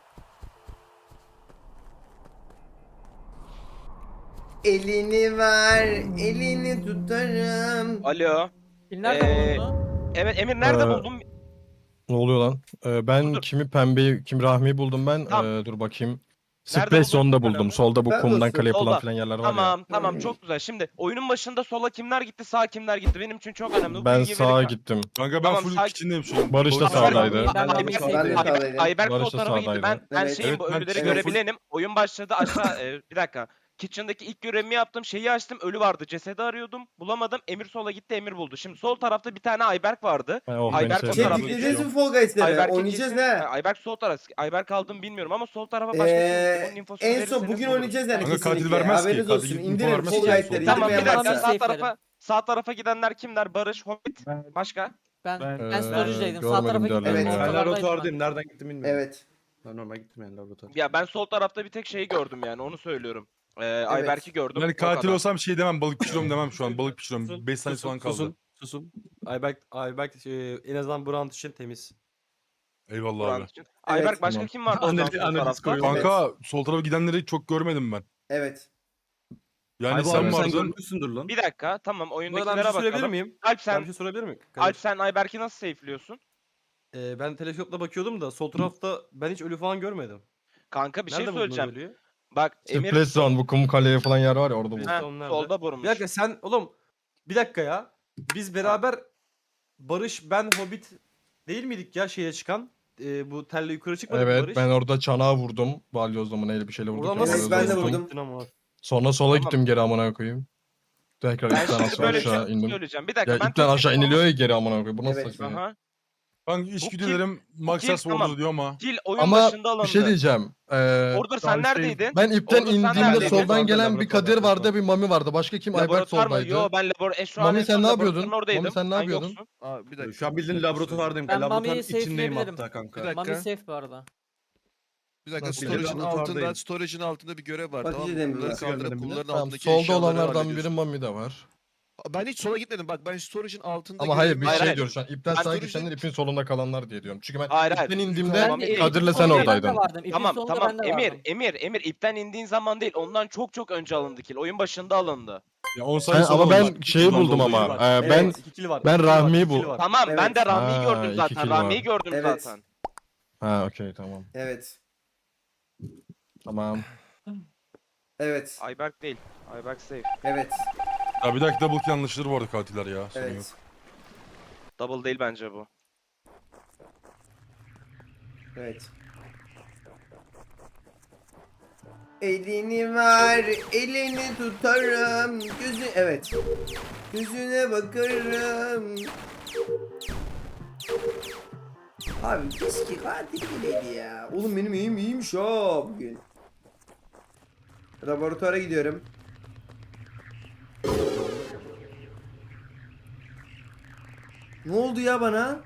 Speaker 1: Elini ver, elini tutarım.
Speaker 5: Alo.
Speaker 8: Pil nerede
Speaker 5: Ee,
Speaker 8: bulundu?
Speaker 5: Evet Emir nerede
Speaker 2: Ee,
Speaker 5: buldun?
Speaker 2: Ne oluyor lan? Ee, ben
Speaker 5: Dur.
Speaker 2: kimi pembeyi, kim Rahmi'yi buldum ben.
Speaker 5: Tamam.
Speaker 2: Ee, dur bakayım.
Speaker 5: Nerede
Speaker 2: Space
Speaker 5: buldun?
Speaker 2: Zone'da
Speaker 5: Söyle
Speaker 2: buldum.
Speaker 5: abi.
Speaker 2: Solda bu
Speaker 1: Ben
Speaker 2: kumdan
Speaker 1: dostum,
Speaker 2: kale yapılan
Speaker 5: solda.
Speaker 2: filan yerler var ya.
Speaker 5: Tamam tamam çok güzel. Şimdi oyunun başında sola kimler gitti sağ kimler gitti benim için çok önemli. Bu
Speaker 2: Ben
Speaker 5: bilgi
Speaker 2: sağa
Speaker 5: verirken-
Speaker 2: gittim.
Speaker 4: Kanka ben
Speaker 5: Tamam,
Speaker 4: full
Speaker 5: sakin.
Speaker 4: kitchen'deyim şu an.
Speaker 2: Barış da
Speaker 4: Barış-
Speaker 2: sağdaydı.
Speaker 8: Ben
Speaker 1: Ben
Speaker 8: Rami'yi
Speaker 1: de
Speaker 8: sevdim.
Speaker 1: sağdaydım.
Speaker 5: Ayberk
Speaker 2: Barış
Speaker 5: sol
Speaker 2: da
Speaker 5: tarafa gitti.
Speaker 2: sağdaydı.
Speaker 5: Ben, ben
Speaker 1: Evet.
Speaker 5: şeyim
Speaker 4: Evet,
Speaker 5: bu
Speaker 4: ben-
Speaker 5: ölüleri
Speaker 4: evet.
Speaker 5: görebilenim. Oyun başladı aşağı e, bir dakika. Kitchen'daki ilk görevimi yaptım. Şeyi açtım. Ölü vardı. Cesedi arıyordum. Bulamadım. Emir sola gitti. Emir buldu. Şimdi sol tarafta bir tane Ayberk vardı.
Speaker 2: Ha, oh,
Speaker 5: Ayberk
Speaker 2: beni
Speaker 5: o
Speaker 1: Şey
Speaker 5: tarafa
Speaker 2: sevdi.
Speaker 1: tıklayacağız
Speaker 5: geçiyor.
Speaker 1: mı Fall Guys'leri?
Speaker 5: Ayberk'in
Speaker 1: Oynayacağız
Speaker 5: kesin-
Speaker 1: ne?
Speaker 5: Ha, Ayberk sol taraf. Ayberk aldım bilmiyorum ama sol tarafa başka
Speaker 1: Ee,
Speaker 5: kim? Onun infosunu
Speaker 1: en son
Speaker 5: verirseniz
Speaker 1: bugün
Speaker 5: buluruz.
Speaker 1: oynayacağız yani
Speaker 4: Kanka katil
Speaker 1: kesinlikle.
Speaker 4: vermez ki,
Speaker 1: Haberiniz
Speaker 4: katil
Speaker 1: olsun.
Speaker 4: info
Speaker 1: İndirin
Speaker 4: vermez
Speaker 1: Fall
Speaker 4: ki.
Speaker 1: Guys'leri.
Speaker 5: Tamam bir
Speaker 1: indirmeyen
Speaker 5: dakika
Speaker 1: varsa.
Speaker 5: sağ
Speaker 8: safe
Speaker 5: tarafa sağ tarafa gidenler kimler? Barış, Hobbit, başka?
Speaker 8: Ben
Speaker 9: Ben-
Speaker 8: ben,
Speaker 2: Ee,
Speaker 8: storage'daydım. Sağ
Speaker 2: görmedim
Speaker 8: tarafa gittim.
Speaker 2: diğerlerini.
Speaker 1: Evet.
Speaker 9: Ben
Speaker 8: ortalardaydım ben.
Speaker 9: laboratuvardayım. Nereden gittim bilmiyorum.
Speaker 1: Evet.
Speaker 9: Ben normal gittim yani laboratuvar.
Speaker 5: Ya ben sol tarafta bir tek şeyi gördüm yani onu söylüyorum. Ee, Ayberk'i gördüm.
Speaker 4: Yani
Speaker 5: o
Speaker 4: katil
Speaker 5: kadar.
Speaker 4: olsam şey demem balık pişiriyorum demem şu an balık pişiriyorum.
Speaker 6: Susun,
Speaker 4: beş saniye
Speaker 6: susun,
Speaker 4: falan kaldı.
Speaker 6: Susun, susun. Ayberk, Ayberk e, en azından bu round için temiz.
Speaker 4: Eyvallah
Speaker 5: Buran
Speaker 4: abi.
Speaker 5: için. Ayberk başka
Speaker 2: tamam.
Speaker 5: kim vardı o zaman
Speaker 9: Analiz-
Speaker 5: sol
Speaker 9: analiz
Speaker 5: tarafta?
Speaker 9: koyuyorum.
Speaker 4: Kanka sol tarafa gidenleri çok görmedim ben.
Speaker 1: Evet.
Speaker 4: Yani
Speaker 9: Ay bu
Speaker 4: sen
Speaker 9: abi sen
Speaker 4: vardın.
Speaker 9: görmüşsündür lan.
Speaker 5: Bir dakika tamam
Speaker 6: Bu arada ben bir
Speaker 5: oyundakilere
Speaker 6: şey sorabilir
Speaker 5: bakalım.
Speaker 6: miyim?
Speaker 5: Alp
Speaker 6: Ben
Speaker 5: sen
Speaker 6: bir şey sorabilir miyim?
Speaker 5: Alp sen Ayberk'i nasıl safe'liyorsun?
Speaker 6: Ee, ben teleskopla bakıyordum da sol tarafta ben hiç ölü falan görmedim.
Speaker 5: Kanka bir şey
Speaker 6: Nerede buldunuz
Speaker 5: söyleyeceğim.
Speaker 6: ölüyü?
Speaker 5: Bak Emir
Speaker 2: Space Zone bu kum kale yapılan yer var ya orada buldum.
Speaker 5: Heh,
Speaker 6: Son nerede?
Speaker 5: solda vurmuş.
Speaker 6: Bir dakika sen oğlum bir dakika ya. Biz beraber Barış, ben, Hobbit değil miydik ya şeye çıkan? Ee, bu telle yukarı çıkmadık mı
Speaker 2: Evet
Speaker 6: Barış?
Speaker 2: ben orada çanağı vurdum. Balyozla mı neyle bir şeyle vurdum.
Speaker 6: Oradan
Speaker 1: Evet,
Speaker 6: nasıl
Speaker 1: ben de
Speaker 6: space
Speaker 1: vurdum.
Speaker 6: gittin ama?
Speaker 2: Sonra sola
Speaker 5: Tamam.
Speaker 2: gittim geri amına koyayım. Tekrar
Speaker 5: Ben
Speaker 2: ipten
Speaker 5: şimdi
Speaker 2: aşağı,
Speaker 5: böyle bir
Speaker 2: aşağı
Speaker 5: şey
Speaker 2: indim.
Speaker 5: söyleyeceğim. Bir dakika
Speaker 2: Ya
Speaker 5: ben
Speaker 2: ipten
Speaker 5: tek
Speaker 2: aşağı
Speaker 5: tek-
Speaker 2: iniliyor ya geri amına koyayım. Bu nasıl
Speaker 1: Evet.
Speaker 2: saçma ya?
Speaker 5: Aha.
Speaker 4: Ben
Speaker 5: Bu
Speaker 4: içgüdülerim Maxers
Speaker 5: kill,
Speaker 4: Warrior
Speaker 5: tamam.
Speaker 4: diyor ama.
Speaker 5: Kill oyun
Speaker 2: Ama
Speaker 5: başında alındı.
Speaker 2: bir şey diyeceğim. Ee,
Speaker 5: Order sen
Speaker 2: daha şey-
Speaker 5: neredeydin?
Speaker 2: Ben ipten
Speaker 5: Order sen
Speaker 2: indiğimde
Speaker 5: neredeydin?
Speaker 2: soldan gelen bir
Speaker 9: Laboratuvar,
Speaker 2: Kadir vardı,
Speaker 9: laboratuvar.
Speaker 2: bir Mami vardı. Başka kim? Ayberk
Speaker 5: Laboratuvar mı?
Speaker 2: soldaydı.
Speaker 5: Yo ben labor e, şu an
Speaker 2: Mami
Speaker 5: en
Speaker 2: sen
Speaker 5: son
Speaker 2: ne
Speaker 5: laboratuvarın
Speaker 2: yapıyordun?
Speaker 5: oradaydım.
Speaker 2: Mami sen ne
Speaker 5: Sen
Speaker 2: yapıyordun?
Speaker 5: yoksun.
Speaker 7: Aa, bir dakika.
Speaker 9: Şu an bildiğin laboratuvardayım.
Speaker 8: Ben
Speaker 9: laboratuvarın
Speaker 8: Mami'yi
Speaker 9: içindeyim
Speaker 8: safe'leyebilirim.
Speaker 9: hatta kanka.
Speaker 7: Bir dakika.
Speaker 8: Mami safe bu arada.
Speaker 7: Bir dakika
Speaker 2: Nasıl
Speaker 7: storage'ın
Speaker 9: bildiğin
Speaker 7: altında,
Speaker 9: laboratuvardayım.
Speaker 7: storage'ın altında bir görev var.
Speaker 1: Bakıcı
Speaker 7: Tamam mı?
Speaker 1: demiyorlar.
Speaker 7: Bunları
Speaker 9: Nasıl
Speaker 7: kaldırıp
Speaker 9: görmedim
Speaker 7: bunların
Speaker 2: Tamam,
Speaker 7: altındaki
Speaker 2: solda
Speaker 7: eşyaları
Speaker 2: olanlardan biri
Speaker 7: hallediyorsun.
Speaker 2: Mami de var.
Speaker 7: Ben hiç sola gitmedim. Bak ben storage'ın altında
Speaker 2: Ama hayır
Speaker 7: görevimi-
Speaker 2: bir
Speaker 5: Hayır,
Speaker 2: şey
Speaker 5: hayır.
Speaker 2: diyoruz şu an. İpten
Speaker 5: Ben
Speaker 2: sağa
Speaker 7: storage'in-
Speaker 2: gitsenler ipin solunda kalanlar diye diyorum. Çünkü ben
Speaker 5: Hayır, hayır.
Speaker 2: ipten indiğimde
Speaker 5: Tamam,
Speaker 8: Ben-
Speaker 2: Kadir'le
Speaker 8: ipin
Speaker 2: sen
Speaker 8: sonunda
Speaker 2: oradaydın.
Speaker 8: Ben de vardım. İpin
Speaker 5: Tamam
Speaker 8: sonunda
Speaker 5: tamam
Speaker 8: ben de
Speaker 5: Emir
Speaker 8: vardım.
Speaker 5: Emir Emir ipten indiğin zaman değil ondan çok çok önce alındı kill. Oyun başında alındı.
Speaker 4: Ya on
Speaker 2: Ben,
Speaker 4: saniye sonra
Speaker 2: ama ben
Speaker 4: oldu.
Speaker 2: şeyi
Speaker 4: Bundan
Speaker 2: buldum
Speaker 4: dolayı.
Speaker 2: ama.
Speaker 6: var.
Speaker 2: Ee, ben
Speaker 6: Evet, iki kill var.
Speaker 2: ben
Speaker 6: iki kill var,
Speaker 2: Rahmi'yi
Speaker 6: iki kill
Speaker 2: bu-
Speaker 6: var.
Speaker 5: Tamam ben
Speaker 1: Evet.
Speaker 5: de Rahmi'yi
Speaker 2: Ha,
Speaker 5: gördüm
Speaker 2: iki
Speaker 5: zaten.
Speaker 2: kill var.
Speaker 5: Rahmi'yi gördüm
Speaker 1: Evet.
Speaker 5: zaten.
Speaker 2: Ha okey tamam.
Speaker 1: Evet.
Speaker 2: Tamam.
Speaker 1: Evet.
Speaker 5: Ayberk değil. Ayberk safe.
Speaker 1: Evet.
Speaker 4: Ya bir dakika double kill yanlışları vardı katiller ya. Sorun yok.
Speaker 1: Evet.
Speaker 5: Double değil bence bu.
Speaker 1: Evet. Elini ver, elini tutarım. Gözü evet. Gözüne bakarım. Abi keşke katil bileydi ya. Oğlum benim iyiyim iyiymiş ha bugün. Laboratuvara gidiyorum. Ne oldu ya bana?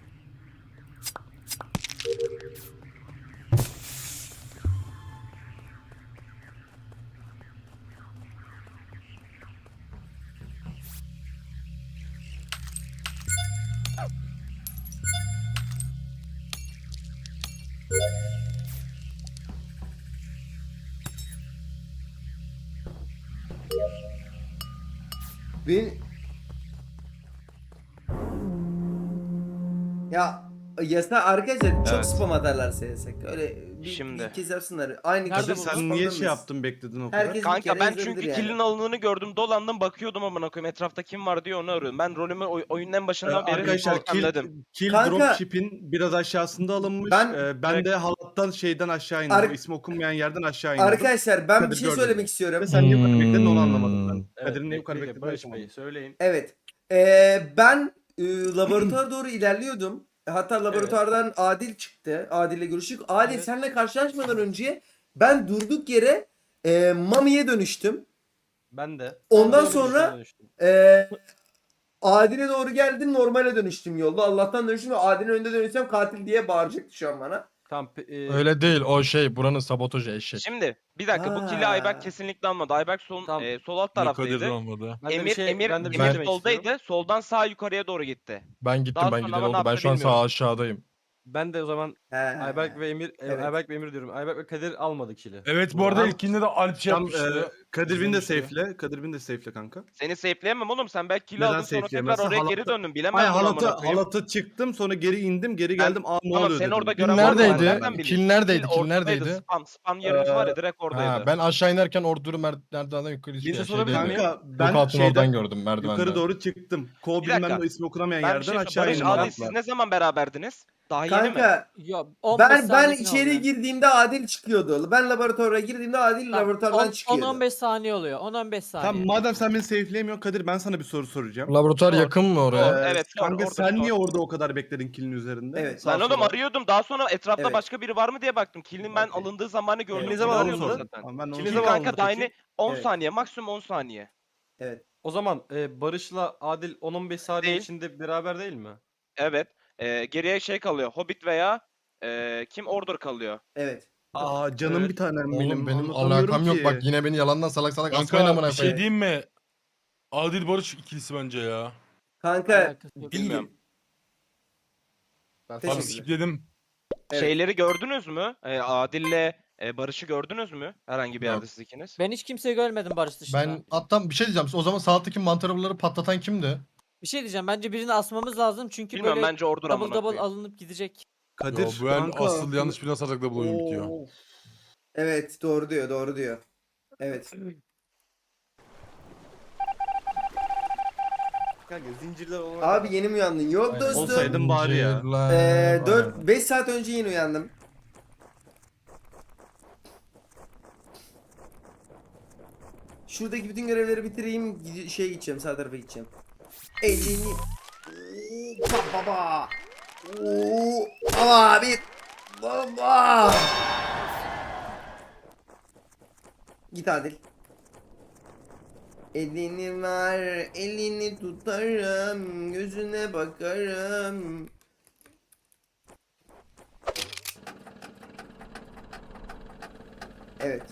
Speaker 1: Ben... Ya yasa arkadaşlar çok
Speaker 5: Evet.
Speaker 1: spam atarlar S S K. Öyle bir,
Speaker 5: Şimdi.
Speaker 1: bir kez yapsınlar. Aynı
Speaker 8: Nerede
Speaker 1: kişi
Speaker 8: bu?
Speaker 9: Sen
Speaker 1: spam
Speaker 9: niye şey
Speaker 1: dönmesin.
Speaker 9: yaptın bekledin o kadar?
Speaker 1: Herkes bir
Speaker 5: Kanka
Speaker 1: kere
Speaker 5: ben
Speaker 1: yazabilir
Speaker 5: çünkü
Speaker 1: yani.
Speaker 5: kill'in alındığını gördüm, dolandım bakıyordum amına koyayım etrafta kim var diye onu arıyorum. Ben rolümü oy- oyunun en
Speaker 9: Ee,
Speaker 5: başından beri
Speaker 9: arkadaşlar kill,
Speaker 5: dedim.
Speaker 9: kill
Speaker 1: Kanka-
Speaker 9: dropship'in biraz aşağısında alınmış.
Speaker 1: Ben-
Speaker 9: Ee, ben de halattan şeyden aşağı indim.
Speaker 1: Ar-
Speaker 9: O ismi okunmayan yerden aşağı indim.
Speaker 1: Arkadaşlar ben bir
Speaker 9: Kadir
Speaker 1: şey
Speaker 9: gördü
Speaker 1: söylemek
Speaker 9: beni.
Speaker 1: istiyorum.
Speaker 9: Ve sen niye bu kadar bekledin onu
Speaker 2: Hmm.
Speaker 9: anlamadım ben.
Speaker 6: Evet,
Speaker 9: Kadir'in niye bu kadar
Speaker 6: bekleyin,
Speaker 9: beklediğini
Speaker 6: Barış Bey
Speaker 9: anlamadım.
Speaker 6: söyleyin.
Speaker 1: Evet. Ee, ben e, laboratuvara doğru ilerliyordum. Hatta laboratuvardan Adil çıktı. Adil'le görüştük. Adil
Speaker 8: Evet.
Speaker 1: seninle karşılaşmadan önce ben durduk yere e, Mami'ye dönüştüm.
Speaker 6: Ben de.
Speaker 1: Ondan
Speaker 6: Ben de
Speaker 1: sonra-
Speaker 6: öyle dönüştüm.
Speaker 1: Ee, Adil'e doğru geldim, normale dönüştüm yolda. Allah'tan dönüştüm ve Adil'in önünde dönüşsem katil diye bağıracaktı şu an bana.
Speaker 6: Tamam. pe- e,
Speaker 2: Öyle değil o şey buranın sabotajı eşek.
Speaker 5: Şimdi bir dakika bu kill'i
Speaker 1: Ha.
Speaker 5: Ayberk kesinlikle almadı. Ayberk sol,
Speaker 6: Tamam.
Speaker 5: e, sol alt taraftaydı.
Speaker 4: olmadı.
Speaker 6: ben de bir
Speaker 5: Emir,
Speaker 6: şey,
Speaker 5: Emir,
Speaker 6: ben de bir
Speaker 5: Emir
Speaker 6: şey demek
Speaker 5: soldaydı.
Speaker 6: istiyorum.
Speaker 5: Soldan sağ yukarıya doğru gitti.
Speaker 2: Ben gittim
Speaker 5: Daha
Speaker 2: ben
Speaker 5: sonra
Speaker 2: gideri
Speaker 5: ama ne
Speaker 2: oldu. Ben
Speaker 5: yaptı
Speaker 2: şu an sağ
Speaker 5: bilmiyorum.
Speaker 2: aşağıdayım.
Speaker 6: Ben de o zaman
Speaker 1: He.
Speaker 6: Ayberk ve Emir, e,
Speaker 1: Evet.
Speaker 6: Ayberk ve Emir diyorum. Ayberk ve Kadir almadı kill'i.
Speaker 4: Evet bu arada
Speaker 9: Tamam.
Speaker 4: ilkinde de Alp şey
Speaker 9: Tam,
Speaker 4: yapmıştı.
Speaker 9: e, Kadir bin de
Speaker 4: İzlemişti.
Speaker 9: safe'le. Kadir bin de safe'le kanka.
Speaker 5: Seni safe'leyemem oğlum. Sen belki kill'i
Speaker 9: Neden
Speaker 5: aldın sonra tekrar
Speaker 9: safe'leyemezsin?
Speaker 5: oraya geri
Speaker 9: Halatı-
Speaker 5: döndün. Bilemem
Speaker 9: Hayır
Speaker 5: bunu
Speaker 9: halatı,
Speaker 5: amına koyayım.
Speaker 9: halatı çıktım sonra geri indim geri
Speaker 5: Ben-
Speaker 9: geldim. Aa ne
Speaker 5: Tamam,
Speaker 9: oluyor
Speaker 5: sen
Speaker 9: dedim.
Speaker 5: orada
Speaker 2: Kill
Speaker 5: gören var mı?
Speaker 2: neredeydi?
Speaker 5: Nereden bileyim?
Speaker 2: Kill neredeydi?
Speaker 5: Kill
Speaker 2: Kill
Speaker 5: ortadaydı,
Speaker 2: neredeydi?
Speaker 5: Spam, spam yerimiz var ya
Speaker 9: Ee,
Speaker 5: direkt oradaydı.
Speaker 2: Ha, ben aşağı inerken ordu merdivenden yukarı
Speaker 6: Bir de
Speaker 2: şey,
Speaker 6: sorabilir
Speaker 2: şeydeydi.
Speaker 6: miyim?
Speaker 9: Kanka ben
Speaker 2: Lookouts'un oradan
Speaker 9: şeyden
Speaker 2: gördüm merdivenden.
Speaker 9: yukarı doğru çıktım. Kol
Speaker 5: Bir
Speaker 9: bilmem
Speaker 5: dakika.
Speaker 9: ne o ismi okunamayan
Speaker 5: Ben bir
Speaker 9: yerden
Speaker 5: şey
Speaker 9: aşağı
Speaker 5: Barış,
Speaker 9: indim.
Speaker 5: Adil
Speaker 9: halatla.
Speaker 5: siz ne zaman beraberdiniz? Daha yeni mi?
Speaker 1: Kanka
Speaker 8: Yo, on beş
Speaker 1: ben ben
Speaker 8: saniyesini
Speaker 1: içeri
Speaker 8: alıyor.
Speaker 1: girdiğimde Adil çıkıyordu. Ben laboratuvara girdiğimde Adil
Speaker 8: Tamam,
Speaker 1: laboratuvardan
Speaker 8: on-
Speaker 1: çıkıyordu.
Speaker 8: on on beş saniye oluyor. on on beş saniye.
Speaker 9: Tamam madem sen beni safe'leyemiyorsun Kadir ben sana bir soru soracağım.
Speaker 2: Laboratuvar
Speaker 5: Sor.
Speaker 2: yakın mı oraya?
Speaker 5: Evet, sor,
Speaker 9: Kanka
Speaker 5: orada
Speaker 9: sen
Speaker 5: sor.
Speaker 9: niye orada o kadar bekledin kill'in üzerinde?
Speaker 1: Evet.
Speaker 9: Sağ
Speaker 5: Ben oğlum
Speaker 9: sola.
Speaker 5: arıyordum. Daha sonra etrafta
Speaker 1: Evet.
Speaker 5: başka biri var mı diye baktım. Kill'in ben
Speaker 9: Okey.
Speaker 5: alındığı zamanı gördüm.
Speaker 6: Ne
Speaker 5: Kill
Speaker 6: zaman
Speaker 5: arıyordum
Speaker 6: alındı?
Speaker 5: zaten.
Speaker 9: Tamam, ben de onu
Speaker 6: Kill
Speaker 5: Kill
Speaker 6: ne zaman
Speaker 9: soracağım.
Speaker 5: kanka
Speaker 6: alındı
Speaker 5: daha
Speaker 6: peki?
Speaker 5: yeni on
Speaker 1: Evet.
Speaker 5: saniye, maksimum on saniye.
Speaker 1: Evet.
Speaker 6: O zaman e, Barış'la Adil on on beş saniye
Speaker 5: Değil.
Speaker 6: içinde beraber değil mi?
Speaker 5: Evet. Ee, geriye şey kalıyor. Hobbit veya e, kim Order kalıyor.
Speaker 1: Evet.
Speaker 9: Aa canım
Speaker 6: Evet.
Speaker 9: bir tanem
Speaker 2: Oğlum
Speaker 9: benim.
Speaker 2: benim
Speaker 9: Anlatamıyorum
Speaker 2: alakam yok
Speaker 9: ki.
Speaker 2: bak yine beni yalandan salak salak asmayın
Speaker 4: Kanka
Speaker 2: amına
Speaker 4: bir şey
Speaker 2: koyayım.
Speaker 4: diyeyim mi? Adil Barış ikilisi bence ya.
Speaker 1: Kanka
Speaker 8: Alakası yok.
Speaker 5: Bilmiyorum.
Speaker 1: değilim.
Speaker 6: Ben
Speaker 1: Teşekkür
Speaker 4: Abi
Speaker 6: sana-
Speaker 4: skipledim.
Speaker 1: Evet.
Speaker 5: Şeyleri gördünüz mü? Ee, Adil'le e, Barış'ı gördünüz mü? Herhangi bir
Speaker 2: Yok.
Speaker 5: yerde siz ikiniz.
Speaker 8: Ben hiç kimseyi görmedim Barış dışında.
Speaker 2: Ben hatta bir şey diyeceğim. O zaman sağ alttaki mantarları patlatan kimdi?
Speaker 8: Bir şey diyeceğim. Bence birini asmamız lazım çünkü
Speaker 5: Bilmiyorum
Speaker 8: böyle
Speaker 5: bence Order
Speaker 8: double
Speaker 5: amına
Speaker 8: double
Speaker 5: koyayım.
Speaker 8: alınıp gidecek.
Speaker 9: Kadir
Speaker 4: Yo, bu el
Speaker 9: kanka.
Speaker 4: asıl yanlış bir nasarlıkla bu oyun bitiyor.
Speaker 9: Oo.
Speaker 1: Evet doğru diyor doğru diyor. Evet.
Speaker 6: Kanka zincirler olan.
Speaker 1: Abi yeni mi uyandın? Yok
Speaker 2: Aynen.
Speaker 1: dostum.
Speaker 9: Olsaydım bari ya.
Speaker 2: Zincirler
Speaker 1: Ee,
Speaker 2: var.
Speaker 1: dört beş saat önce yeni uyandım. Şuradaki bütün görevleri bitireyim. gide- Şeye gideceğim, sağ tarafa gideceğim. Elini... Oo, pa- baba. Oo, abi. Baba. Git Adil. Elini ver, elini tutarım, gözüne bakarım. Evet.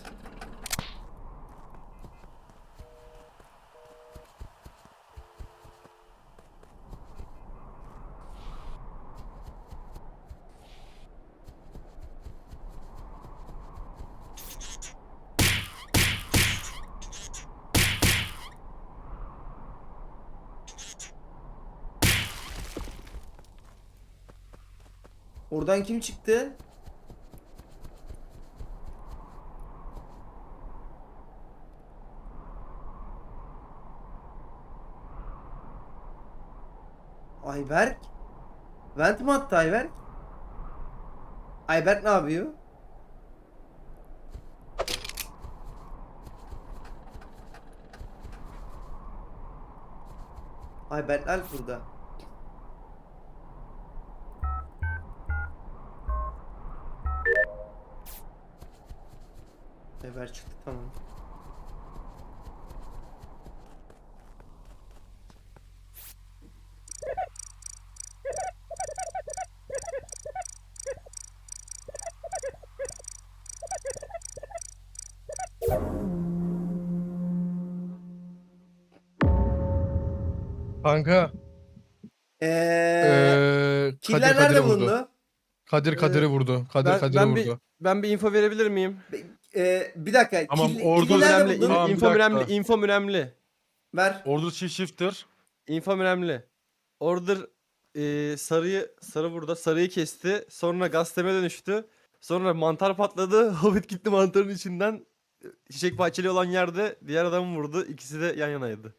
Speaker 1: Oradan kim çıktı? Ayberk? Vent mi attı Ayberk? Ayberk ne yapıyor? Ayberk Alp burada. Ayberk çıktı, tamam.
Speaker 2: Kanka.
Speaker 1: Eee
Speaker 2: Eee
Speaker 1: killer
Speaker 2: Kadir
Speaker 1: nerede
Speaker 2: Kadir'i vurdu.
Speaker 1: bulundu?
Speaker 2: Kadir Kadir'i vurdu. Kadir
Speaker 6: Ben,
Speaker 2: Kadir'i
Speaker 6: ben bir
Speaker 2: vurdu.
Speaker 6: ben bir info verebilir miyim?
Speaker 1: Eee bir dakika.
Speaker 4: Tamam,
Speaker 1: kill-
Speaker 4: ordu
Speaker 1: killi nerede
Speaker 6: Önemli.
Speaker 1: buldun?
Speaker 6: in-
Speaker 4: Tamam, bir
Speaker 6: info
Speaker 4: dakika.
Speaker 6: önemli. Info önemli.
Speaker 1: Ver.
Speaker 4: Ordu Chief Shifter.
Speaker 6: Info önemli. Order e, sarıyı sarı burada sarıyı kesti. Sonra gazeteme dönüştü. Sonra mantar patladı. Hobbit gitti mantarın içinden. Çiçek bahçeli olan yerde diğer adamı vurdu. İkisi de yan yanaydı.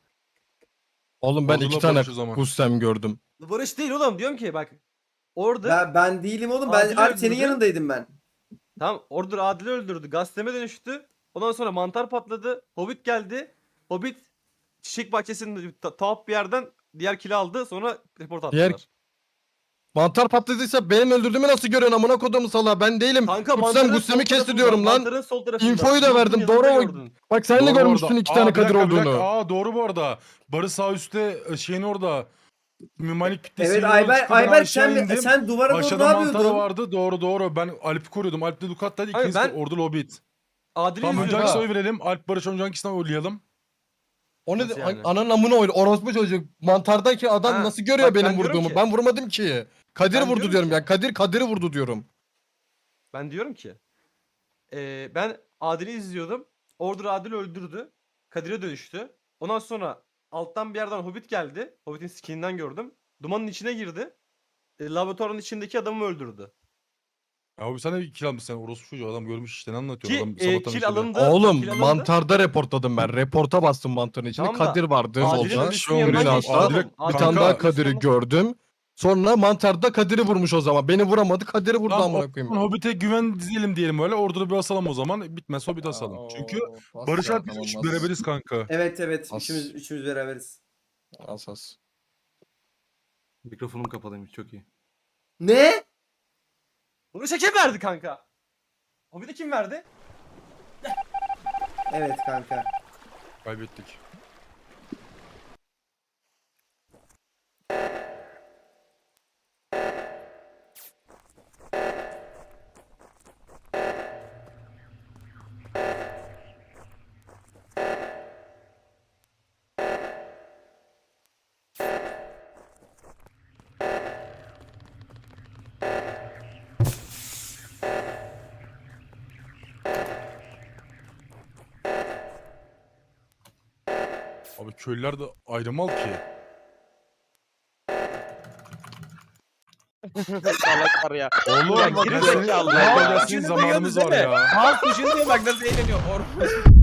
Speaker 2: Oğlum ben
Speaker 4: Ordula
Speaker 2: iki tane
Speaker 4: Barış o zaman.
Speaker 2: Gussem gördüm.
Speaker 6: Barış değil oğlum, diyorum ki bak. Order
Speaker 1: Ben, ben değilim oğlum. Ben
Speaker 6: Adil
Speaker 1: Alp senin
Speaker 6: öldürdü.
Speaker 1: yanındaydım ben.
Speaker 6: tamam, Order Adil'i öldürdü. Gazeteme dönüştü. Ondan sonra mantar patladı. Hobbit geldi. Hobbit çiçek bahçesinin ta- tuhaf bir yerden diğer kili aldı. Sonra report attılar.
Speaker 2: Diğer- Mantar patladıysa benim öldürdüğümü nasıl görüyorsun amına kodumu sala? Ben değilim.
Speaker 6: Kanka
Speaker 2: Gussem
Speaker 6: mantarın
Speaker 2: Gussem'i
Speaker 6: sol
Speaker 2: kesti
Speaker 6: tarafında,
Speaker 2: diyorum lan.
Speaker 6: mantarın sol tarafında.
Speaker 2: Infoyu da
Speaker 6: Yolun
Speaker 2: verdim,
Speaker 6: yanında
Speaker 2: doğru mu?
Speaker 6: gördün.
Speaker 2: Bak sen de
Speaker 4: Doğru bu
Speaker 2: görmüşsün
Speaker 4: arada.
Speaker 2: iki
Speaker 4: Aa,
Speaker 2: tane
Speaker 4: bir
Speaker 2: Kadir
Speaker 4: dakika, bir dakika.
Speaker 2: olduğunu.
Speaker 4: Aa doğru bu arada. Barış sağ üstte e, şeyin orada. Mimanik kütlesi.
Speaker 1: Evet
Speaker 4: yoluna
Speaker 1: Ayberk,
Speaker 4: çıktı, ben
Speaker 1: Ayberk
Speaker 4: aşağı
Speaker 1: sen,
Speaker 4: indim.
Speaker 1: sen duvara doğru ne
Speaker 4: Aşağıda mantarı
Speaker 1: yapıyordun?
Speaker 4: vardı. Doğru doğru. Ben Alp'i koruyordum. Alp de Dukat'taydı.
Speaker 6: Hayır,
Speaker 4: İkiniz de
Speaker 6: ben-
Speaker 4: Ordu Hobbit.
Speaker 6: Adil'i
Speaker 4: Tamam, önce
Speaker 6: izliyorum.
Speaker 4: hangisine oy verelim? Alp Barış önce hangisine oylayalım?
Speaker 2: O ne?
Speaker 6: Nasıl yani?
Speaker 2: Ananın amına oydu. Orospu çocuk. Mantardaki adam
Speaker 6: Ha,
Speaker 2: nasıl görüyor
Speaker 6: bak
Speaker 2: benim
Speaker 6: ben diyorum
Speaker 2: vurduğumu?
Speaker 6: ki-
Speaker 2: Ben vurmadım ki. Kadir
Speaker 6: Ben
Speaker 2: vurdu
Speaker 6: diyorum
Speaker 2: diyorum
Speaker 6: ki-
Speaker 2: ya. Kadir Kadir'i vurdu diyorum.
Speaker 6: Ben diyorum ki eee, ben Adil'i izliyordum. Order Adil öldürdü. Kadir'e dönüştü. Ondan sonra alttan bir yerden Hobbit geldi. Hobbit'in skininden gördüm. Dumanın içine girdi. E, laboratuvarın içindeki adamı öldürdü.
Speaker 4: Ya abi sen de kill almışsın. Sen orospu çocuğu adam görmüş işte ne anlatıyor
Speaker 6: Ki
Speaker 4: adam
Speaker 6: e,
Speaker 4: sabahtan
Speaker 6: kill
Speaker 4: beri.
Speaker 6: alındı.
Speaker 2: Oğlum
Speaker 6: kill alındı.
Speaker 2: mantarda reportladım ben. Reporta bastım mantarın içinde.
Speaker 6: Tamam da
Speaker 2: Kadir vardı
Speaker 6: Adil'in
Speaker 2: solda.
Speaker 6: ölüsünün
Speaker 4: Green
Speaker 6: yanından
Speaker 2: Green
Speaker 6: geçti.
Speaker 2: House'da.
Speaker 6: oğlum.
Speaker 4: Bir
Speaker 2: Bir
Speaker 6: Adil-
Speaker 2: tane
Speaker 4: Kanka,
Speaker 2: daha
Speaker 6: Adil'in
Speaker 2: Kadir'i
Speaker 6: üstüne-
Speaker 2: gördüm. Sonra mantarda Kadir'i vurmuş o zaman. Beni vuramadı. Kadir'i vurdu
Speaker 4: Tamam,
Speaker 2: amına
Speaker 4: o
Speaker 2: koyayım.
Speaker 4: zaman Hobbit'e güven dizelim diyelim öyle. Ordu'da bir asalım o zaman. Bitmez Hobbit asalım. Çünkü Barış Alp biz üç beraberiz kanka.
Speaker 1: Evet evet.
Speaker 2: As.
Speaker 1: Üçümüz, üçümüz beraberiz.
Speaker 2: Asas.
Speaker 9: Mikrofonum kapalıymış çok iyi.
Speaker 1: Ne?
Speaker 6: Bunu kim verdi kanka? Hobbit'e kim verdi?
Speaker 1: Evet kanka.
Speaker 4: Kaybettik. Abi köylüler de ayrımal ki.
Speaker 5: Salaklar ya.
Speaker 4: Oğlum
Speaker 5: Ya
Speaker 4: bak
Speaker 5: geri
Speaker 4: ya senin,
Speaker 5: zekalı.
Speaker 4: ya
Speaker 3: Aa,
Speaker 4: senin
Speaker 3: şunu
Speaker 4: zamanımız var
Speaker 3: duyuyorsunuz
Speaker 4: ya.
Speaker 3: Halk düşünüyor bak nasıl eğleniyor. Or-